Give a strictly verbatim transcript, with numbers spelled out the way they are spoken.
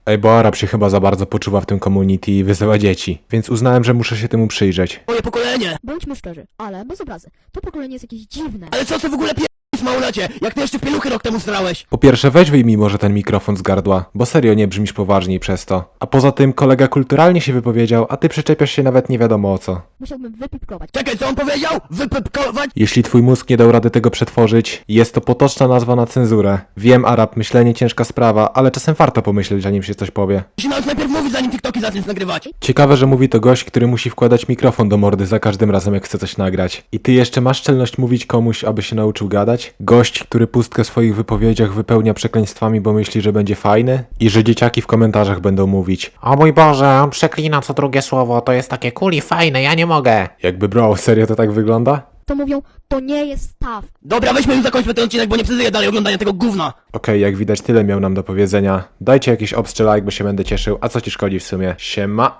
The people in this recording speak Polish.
Ej, bo Arab się chyba za bardzo poczuwa w tym community i wyzywa dzieci, więc uznałem, że muszę się temu przyjrzeć. Moje pokolenie! Bądźmy szczerzy, ale bez obrazy. To pokolenie jest jakieś dziwne. Ale co ty w ogóle pierdolisz, małolacie? Jak ty jeszcze w pieluchy rok temu strałeś? Po pierwsze, weź wyjmij może ten mikrofon z gardła, bo serio nie brzmisz poważniej przez to. A poza tym kolega kulturalnie się wypowiedział, a ty przyczepiasz się nawet nie wiadomo o co. Musiałbym wypipkować. Czekaj, co on powiedział? Wypypkować? Jeśli twój mózg nie dał rady tego przetworzyć, jest to potoczna nazwa na cenzurę. Wiem, Arab, myślenie ciężka sprawa, ale czasem warto pomyśleć, zanim się coś powie. Musi nawet najpierw mówić, zanim TikToki zaczniesz nagrywać. Ciekawe, że mówi to gość, który musi wkładać mikrofon do mordy za każdym razem, jak chce coś nagrać. I ty jeszcze masz czelność mówić komuś, aby się nauczył gadać? Gość, który pustkę w swoich wypowiedziach wypełnia przekleństwami, bo myśli, że będzie fajny? I że dzieciaki w komentarzach będą mówić: o mój Boże, on przeklina co drugie słowo, to jest takie cool i fajne, ja nie mogę. Jakby bro, serio to tak wygląda? To mówią, to nie jest staw. Dobra, weźmy już zakończmy ten odcinek, bo nie przeżyję dalej oglądania tego gówna. Okej, jak widać tyle miał nam do powiedzenia. Dajcie jakiś obstrzelajk, bo się będę cieszył, a co ci szkodzi w sumie? Siema.